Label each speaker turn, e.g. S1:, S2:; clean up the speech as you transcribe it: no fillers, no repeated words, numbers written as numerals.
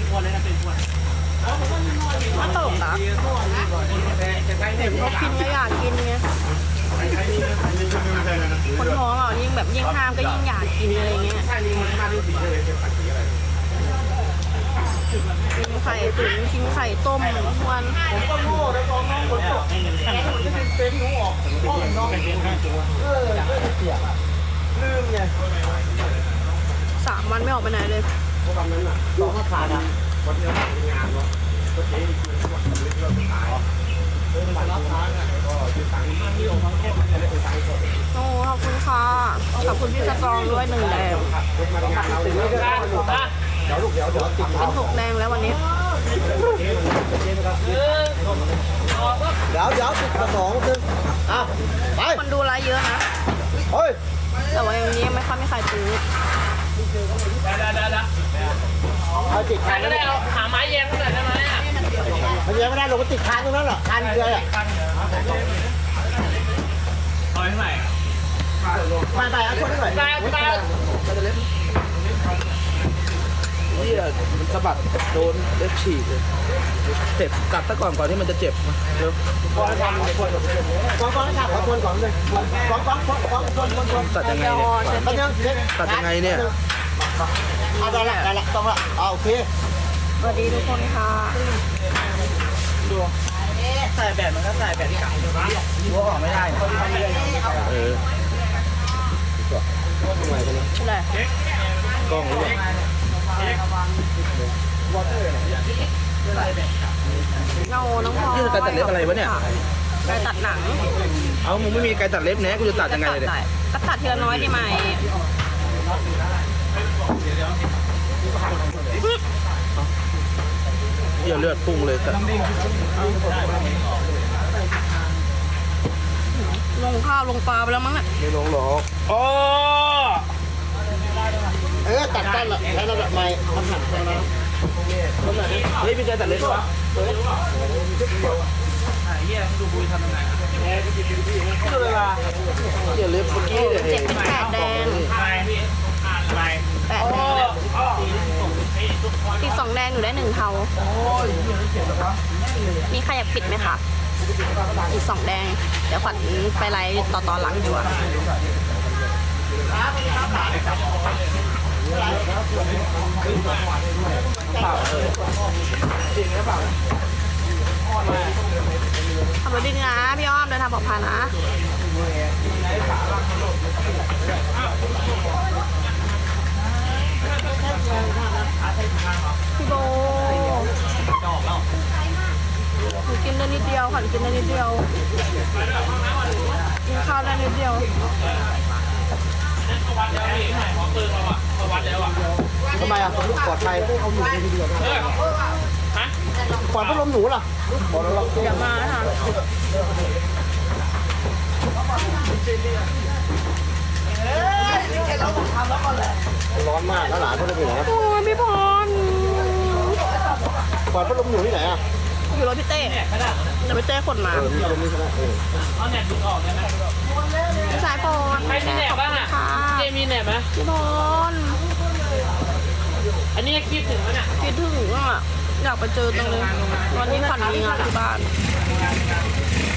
S1: น่าตลกนะเห็นเขากินก็อยากกินไงคนท้องอ่ะยิ่งแบบยิ่งห้ามก็ยิ่งอยากกินอะไรเงี้ยกินไข่ตุ๋นกินไข่ต้มทุกวัน
S2: ผมก็โง่แล้วตอนน้องคนตกแกมันจะเป็นหนูออกพ่อน้องลืมไง
S1: 3 วันไม่ออกไปไหนเลย
S2: เพราะตอนนั้นอ่ะตอนเขาผ่านอ่ะวันนี้เราทำงานเนาะก็เจ๊ดีคือวันนี้เราไปขายมันรับทางอ่ะก็ยืมตังค์ที่องค์ทั้งแค่ไม่ได้ไปตังค์สด
S1: โอ้ขอบคุณค่ะขอบคุณพี่สตรองด้วย1 แดง
S2: เดี๋ยวลูกเดี๋ยวติด
S1: เป็น6 แดงแล้ววันนี้
S2: เดี๋ยวติดกระสองนึงอ่ะไป
S1: คนดูไลฟ์เยอะนะ
S2: เฮ้ย
S1: แต่ว่าอย่างนี้ไม่ค่อยมีใครซื้อ
S2: เอาติดค้าง
S3: ก็ได้เอาหาไม้แยงหน่อยได้ไหมอ่ะ
S2: มันยังไม่ได้ลงมาติดค้างตรงนั้นหรอค้างเกลืออ่ะ
S3: เอาให้ใหม่
S2: ไปเอาคนหน่อย
S3: ไป
S4: นี่มันสะบัดโดนเล็บฉีกเลยเจ็บกัดซะก่อนที่มันจะเจ็บเร็ว
S2: ก่อนทำก่อนทำขอคนก่อนเลยก่อน
S4: ตัดยังไงเนี่ยตัดยังไงเนี่ย
S2: ได้ละต้องละโอเค
S1: สวัสดีทุกคนค่ะ
S4: ดูใส่แบบมันก็ใส่แบบเก่าหัวออกไม่ได้
S1: อะไร
S4: กล้องรู้
S1: เงาน้องพอ
S4: นี่การตัดเล็บอะไรวะเนี่ย
S1: ไก่ตัดหนัง
S4: เอามึงไม่มีไก่ตัดเล็บแน่กูจะตัดยังไงเลย
S1: ก็ตัดทีละน้อยได้ไหม
S4: เดี๋ยวเลือดพุ่งเลยตัด
S1: ลงข้าวลงปลาไปแล้วมั้งเนี่ย
S4: ไม่ลงหรอกอ๋อ
S2: ตัดต้นละใช้ระดับไม้ทำหันไปแล้ว
S4: เฮ้ยมีไก่ตัดเล็บวะเฮียดูบุยทำยังไงดูเลยว่ะเฮียเล็บเมื่อกี้
S1: เจ็บเป็น8 แดง8 แดงอีก2 แดงหนูได้1 เทามีใครอยากปิดไหมคะอีก2 แดงเดี๋ยวขวัญไปไลฟ์ต่อหลังดีกว่าขับรถดีนะพี่อ้อมเดินทางปลอดภัยนะพี่โบหนูกินได้นิดเดียวค่ะกินได้นิดเดียวกินข้าวได้นิดเดียว
S2: ทำไมอ่ะปลอดภัยเอาหนูไปดีกว่าปลอดพัดลมหนูล่ะ
S1: เดี๋ยวมาค่ะ
S2: ร้อนมากแล้วหลานเขาจะไปไหน
S1: โอ้ยพี่พร
S2: ปลอดพัดลมหนูที่ไหนอ่ะ
S1: อยู่รถพี่เต้จะไปเต้ขนมา
S3: เอาแหนบดึงออกได้ไหม
S1: พี่สายพร
S3: ใครมีแหนบบ้างอ่ะเจมีแหนบไหม
S1: พี่พร
S3: อันนี้คิดถึงไหมเนี่ย
S1: คิดถึงอ่ะอยากไปเจอจังเลยวันนี้ขวัญมีงานที่บ้าน